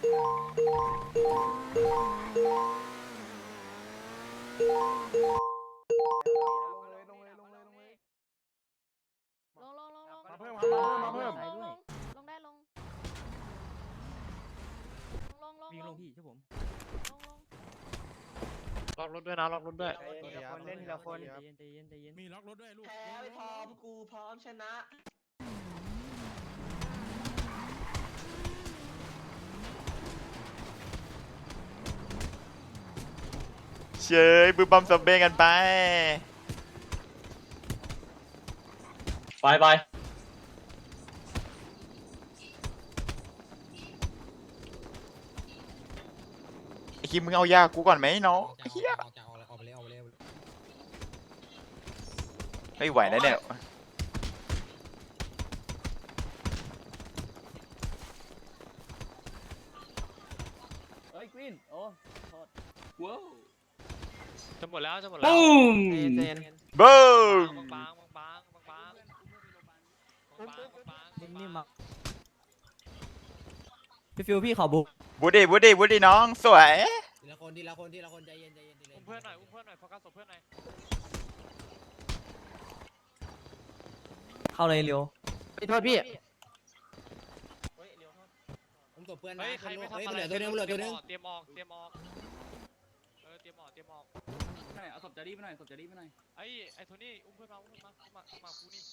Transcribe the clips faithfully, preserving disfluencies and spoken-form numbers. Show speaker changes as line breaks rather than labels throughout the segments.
มาเพิ่มมาเพิ่มมาเพิ่ม
ลงลงได้ลงลงลง
วิ่งลงพี่ใช่ผม
ลงลง
ล็อกรถด้วยนะล็อกรถด้วย
ทีละคนเล่นทีละคนใจเย็นใจเย็นใจเย็น
มีล็อกรถด้วยลูก
แพ้ไม่พร้อมกูพร้อมชนะ
เชยบึ้มบัมซัมเบ้กันไป
ไปไป
ไอคิมมึงเอายากูก่อนไหมน้องเฮียไม่ไหวแล้วเนี่ย
เฮ้ยกวินโอ้โทษ
ว้าว
จะหมดแล้วจะหมดแล้ว
ปุ้ม
เจน
บูม
บางบางบางบางบางบางบาง
นิ่มๆมาพี่ฟิวพี่ขอบุก
บูดี้บูดี้บูดี้น้องสวย
ทีละคนทีละคนทีละคนใจเย็นใจเย็นใจเย็น
อุ้มเพื่อนหน่อยอุ้มเพื่อนหน่อยโฟกัสศพเพื่อนหน่อย
เข้าเลยเร็ว
โทษพี่ผมตบเพื่อนนะ
เฮ้ยใครไม่ทำ
เฮ้ย
อะไร
เหลือตัวนึงเหลือตัวนึง
เตรียมออกเตรียมออกเออเตรียมออกเตรียมออก
เอาศพจะรีบไปหน่อยศพจะรีบไปหน่อย
ไอ้ไอ้โทนี่อุ้มเพื่อนมาอุ้มเพื่อนมามามากูนี่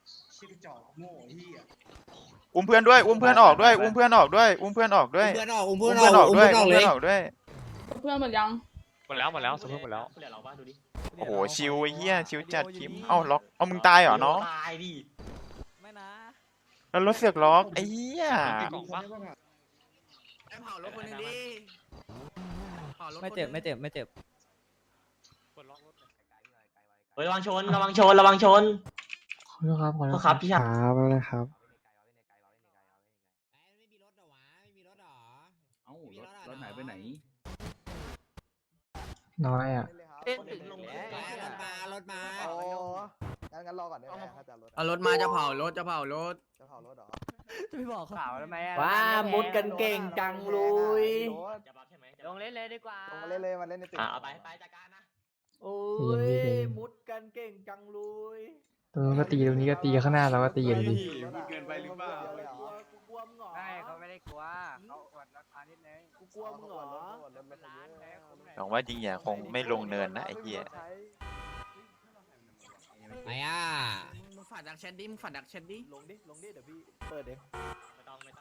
อุ้มเพื่อนด้วยอุ้มเพื่อนออกด้วยอุ้มเพื่อนออกด้วยอุ้มเพื่อนออกด้วย
เพื่อนออกอุ้ม
อุ้
เพื่
ม
อนอ
เพื่อน
อก
ออก
อุ้ม
ด้วย
เพื่อนอ
อุ้
อก
ม
เล
เพื่อย นออกด้วย
เพื่อนหมดยัง
หมดแล้วหมดแล้วศพเพื่อนหมดแล้ว
เหลือเราบ้างดูดิ
โอ้โหชิวไอ้เหี้ยชิวจัดคิมเอ้าล็อกเอามึงตายเหรอน้อง
ตายดิ
ไม่นะ
แล้วรถเสือกล็อกไอ้เหี้ย
มีกล่องปะ
ไอ้เผารถคนนึงดิเผารถ
ไม่เจ็บไม่เจ็บไม่เจ็บ
เปิดล็อกรถเลย
เฮ้ยระวังชนระวังชนระวังชน
ขอโทษครับขอโทษ
ครับพี่ชาย
ครับไม่เป็นไรครับ
ไม่มีรถเหรอวะไม่มีรถเหรอ
เอ้ารถรถหายไปไหน
น้อยอ่ะ
เต้นถึงลง
รถมารถมา
โอ้งั้นงั้นรอก่อนได้ไหมถ้าจะรถ
เอารถมาจะเผารถจะเผารถ
จะเผารถเหรอ
จะไม่บอกข่าวแล้วไหม
ว้ามุดกันเก่งจังเลย
จะบัฟใช่ไหม
ลงเล่นเลยดีกว่า
ลงมาเล่นเลยมาเล่นในตึก
อ่ะเอาไปไปจัดการนะ
โอ้
ย
มุดกันเก่งจังเลย
ตรงนู้นก็ตีตรงนี้ก็ตีข้างหน้าเราก็ตีกันดิ
เกินไปหรือเปล่ากูกลัวมึงเหรอ
ได้เขาไม่ได้กลัวเขาอวดราคานิดนึง
กูกลัวมึงเหรอ
หวังว่าจริงอย่าคงไม่ลงเนินนะไอ้เหี้ย
ไปอ่ะมึงฝัดดักแชทดิมึงฝัดดักแชทดิ
ลงดิลงดิเดี๋ยวพี่เปิดเอง
ไม่ต้องไม่ต้อง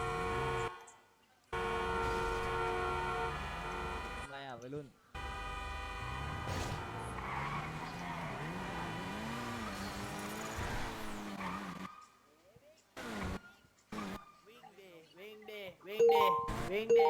อะไรอ่ะวัยรุ่น
วิ่งดิวิ่งดิวิ่งดิวิ่งดิ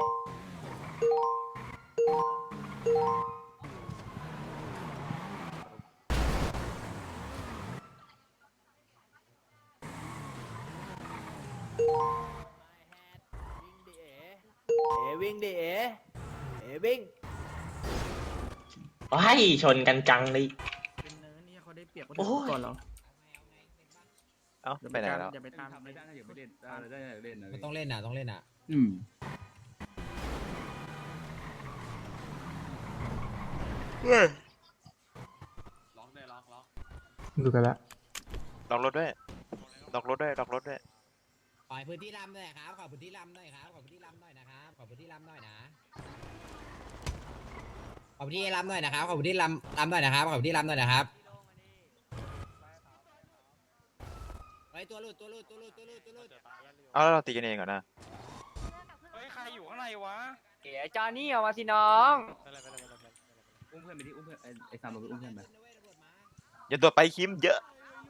วิ่งดิเอ๋เอ๋วิ่ง
ไปชนกันจังเลย
เป็นเนินนี่เขาได้เปรียบ
โอ้ย
ก่อนเหรอ
เอ้าไปไหนแล้ว
อย่าไปตาม
ไม่ได้อย่าไปเล่นได้ได้เล่นนะ
มันต้องเล่นอ่ะต้องเล่นอ่ะ
อืม
ล็อกเลยล็อกล็อก
ดูกันละ
ล็อกรถด้วยล็อกรถด้วยล็อกรถด้วย
ขอพื้นที่ลำหน่อยครับขอพื้นที่ลำหน่อยครับขอพื้นที่ลำหน่อยนะครับขอพื้นที่ลำหน่อยนะขอพื้นที่ลำหน่อยนะครับขอพื้นที่ลำลำหน่อยนะครับขอพื้นที่ลำหน่อยนะครับไปตัวหลุดตัวหลุดตัวหลุดตัวหลุดตัวหลุด
เอาแล้วเราตีกันเองเหรอนะ
เฮ้ยใครอยู่ข้างในวะ
เอ๋จอนี่เอามาสิน้อง
ไปเลยไปเลยไปเลย
อุ้มเพื่อนไปดิอุ้มเพื่อนไอ้ไอ้สามไปอุ้มเพื่อนไป
อย่าโดดไปคิมเยอะ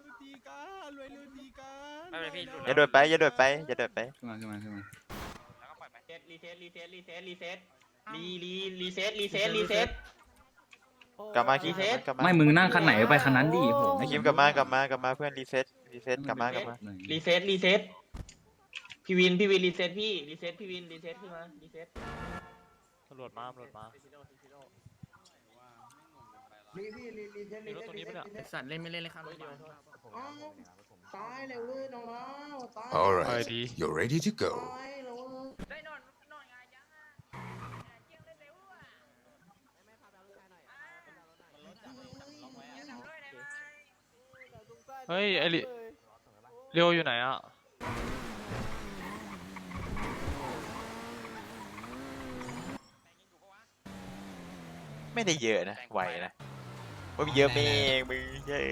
ไม่เป็นไรพี่หลุด
อย่าโดดไปอย่าโดดไปอย่าโดดไป
ขึ้นมาขึ้นมาขึ้นมา
แล้วก็ปล่อยไป
เซ็ตรีเซ็ตรีเซ็ตรีเซ็ตรีเซ็ตรีรีรีเซ็ตรีเซ็ตรีเซ็ต
กลับมาคิม
รีเซ็ต
กลับมา
ไม่มึงนั่งคันไหนไปคันนั้นดิโห
ไอ้คิมกลับมากลับมากลับมาเพื่อนรีเซ็ตรีเซ็ตกลับมากลับมา
รีเซ็ตรีเซ็ตพี่วินพี่วินรีเซ็ตพี่รีเซ็ตพี่วินรีเซ็ตขึ้นมารีเซ็ต
ตำรวจมาตำรวจมา
รีพี่รีรีเซ็ต
มีรถตรงนี้ปะเนี่ย
สัตว์เล่นไม่เล่นเลยครับ
ตายเลยเว้ยน้องๆตาย
All
ไป
right,
ดี
you're ready to go.
ตายแล้วเว้ย
ได้นอนนอนไง
เฮ้ยไอริเรียวอยู่ไหนอ่ะ
ไม่ได้เยอะนะไหวนะว่าเยอะเองมึงเยอะ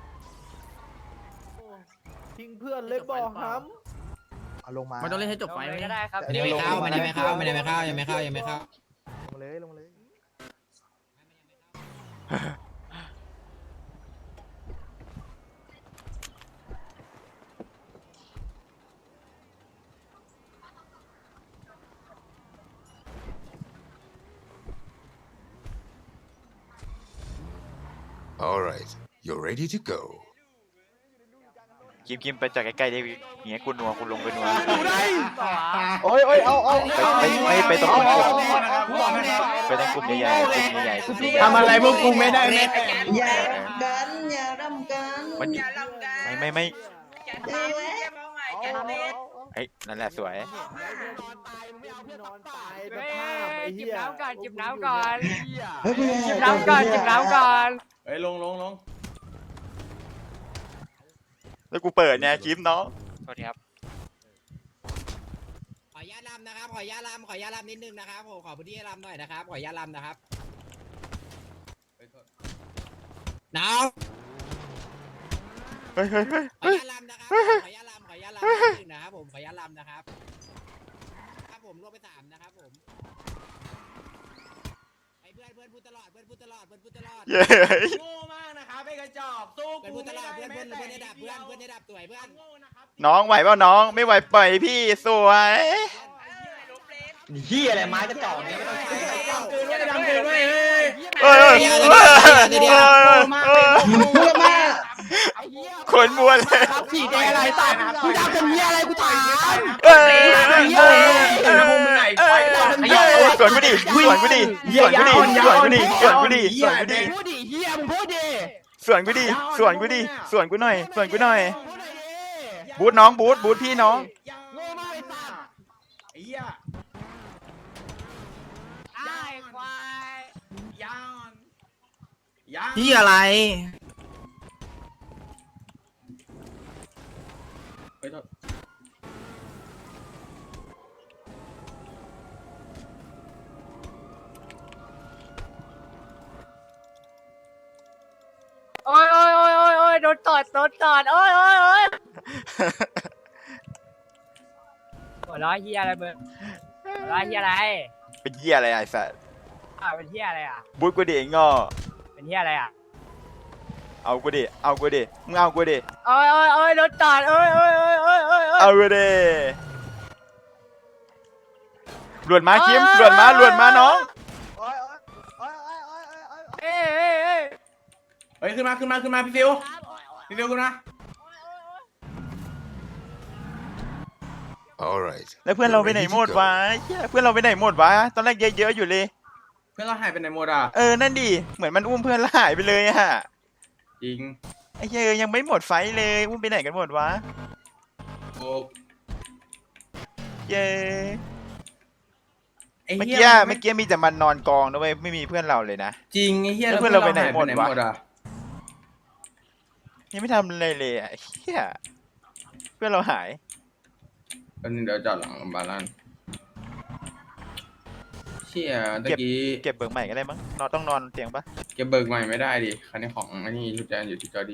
ทิ้งเพื่อนเลยบอกครับ
เอาลงมา
มันต้องเล่นให้จบไฟ
ก็ได้ครับ
มันยังไม่เข้ามันยังไม่เข้ามันยังไม่เข้ายังไม่เข้ายังไม่เข้า
ลงเลยลงเลย
All right, you're ready to go.
กิมกิมไปจากใกล้ๆได้เงี้ยกูนัวกูลงไปนัว
โอ้ยโอ้ยเอาเอา
ไปไปไปตรงกลุ่มไปตรงกลุ่มใหญ่ๆกลุ่มใหญ่ๆกลุ่มใหญ่ๆ
ทำอะไรพวกกูไม่ได้แน่
อย่ากันอย่ารำกัน
มัน
อย่ารำกัน
ไม่ไม่ไม่
เอ๊ะ
เฮ้ยนั่นแหละสวย
นอนตายสภาพไอ้เหี้
จิบ
ย
น้ำก่อนจิบน้ำก่อน
เฮ้ย
จิบน้ำก่อนจิบน้ำก่อนเฮ้ยลงลงลง
แล้วกูเปิดเนี่ยคลิปน้อง
สวัสดีครับ
ขออนุญาตลำนะครับขออนุญาตลำขออนุญาตลำนิดนึงนะครับผมขอพื้นที่ให้ลำหน่อยนะครับขออนุญาตลำนะครับน้อง
เฮ้ยเฮ้ยเฮ้ย
ขออนุญาตลำนะครับขออนุญาตลำขออนุญาตลำนิดนึงนะครับผมขออนุญาตลำนะครับครับผมรวมไปสามนะครับผมไอ้เพื่อนเพื่อนพูดตลอดเพื่อนพูดตลอดเพื่อนพูดตลอด
เย้
โง่มากนะครับไอ้กระจอกสู้
เพื่อน
กู
พูดต
ไม่
ลอ
ได้
ดเพื่อนเพื่อน
แม้
เพื่อนใน
แต่
ดับเพื่อนเพื่อนในดับสวยเพื่อน
โง่นะครับ
น้องไหวเปล่าน้องไม่ไหวปล่อยพี่สวย
เหี้ยอะไรไม้กระจอกเนี่ยไม่ต้องใช้
ดำเกินด้วยดำเกินด้วยเฮ้ย
เอ้ยเอ้ยเอ้ยเอ้ย
พูดมาก
คนมัวเลย
ขี่แดงอะไรตายกูดำเป็นเหี้ยอะไรกูถาม
เอ้ยเอ้ยเอ้ยเอ้ยสวนกูดิสวนกูดิสวนกูดิสวนกูดิสวนกูดิสวนกูดิ
พูดดิเหี้ยมึงพูดดิ
สวนกูดิสวนกูดิสวนกูหน่อยสวนกูหน่อยบูทน้องบูทบูทพี่น้อง
โง่มากไอ้สัตว์ไอ้เหี้ย
ไอ้ควาย
ยาวยัง
ที่อะไร
โอ้ยโอ้ยโอ้ยโอ้ยโอ้ยโดนตอดโดนตอดโอ้ยโอ้ยโอ้ยหัวเร้อยเฮียอะไรมึงหัวเร้อยเฮียอะไร
เป็นเหี้ยอะไรไอ้สัส
อ้าวเป็นเฮียอะไรอ่ะ
บูทกูดิไอ้งอ
เป็นเฮียอะไรอ่ะ
เอากูดิเอากูดิมึงเอากูดิ
โอ้ยโอ้ยโอ้ยโดนตอดโอ้ยโอ้ยโอ้ยโอ้ยโอ้ยโอ้ย
เอากูดิหลวนมาคิมหลวนมาหลวนมาน้อง
โอ้ยโอ้ยโอ้ยโอ้ยโอ้ยโอ้ย
เอ้ยเอ้ยเอ้ย
เฮ้ยขึ้นมาขึ้นมาขึ้นมาพี่ฟิวพี่ฟิวขึ้นมา
All right.
แล้วเพื่อนเราไปไหนหมดวะเหี้ยเพื่อนเราไปไหนหมดวะตอนแรกเยอะๆอยู่เลย
เพื่อนเราหายไปไหนหมดอ่ะ
เออนั่นดิเหมือนมันอุ้มเพื่อนแล้วหายไปเลยอะ
จริง
ไอ้เหี้ยยังไม่หมดไฟท์เลยอุ้มไปไหนกันหมดวะ
โอ้
เย้
ไอ้
เมื่อ
เหี้
กี้
ย
เมื่อกี้มีแต่มันนอนกองนะเว้ยไม่มีเพื่อนเราเลยนะ
จริงไอ้เหี้ย
แล้วเพื่อนเราไปไหนหมดวะ
อ่ะ
ยังไม่ทำอะไรเลยอะเหี้ยเพื่อนเราหาย
อันนี้เดี๋ยวจอดหลังบาลานเชี่ยตะกี้
เก็บเบิกใหม่ก็ได้มั้งนอนต้องนอนเตียงปะ
เก็บเบิกใหม่ไม่ได้ดิคันนี้ของอันนี้ชุดแจนอยู่ที่จอดี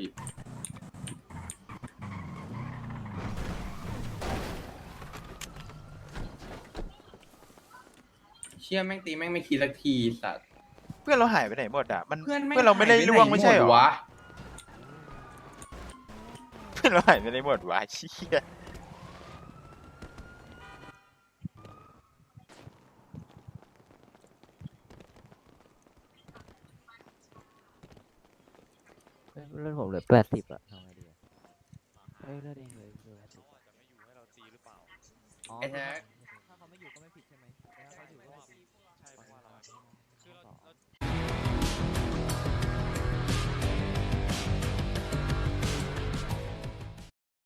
เชี่ยแม่งตีแม่งไม่ทีสักทีสัตว์
เพื่อนเราหายไปไหนหมดอะมัน
เพื่อนแม่ง
เพื่อนเราไม่ได้
หยป
ล่วงไม่ใช่เหรอ
ดวะ
เพื่อนเราหายไปไหนหมดวะเชี่ย
เลือดผมเหลือแปดสิบอะทำไงดีอะเฮ้ยเลือดเองเลยเหลือแปดสิบ
ไอ้แท็ก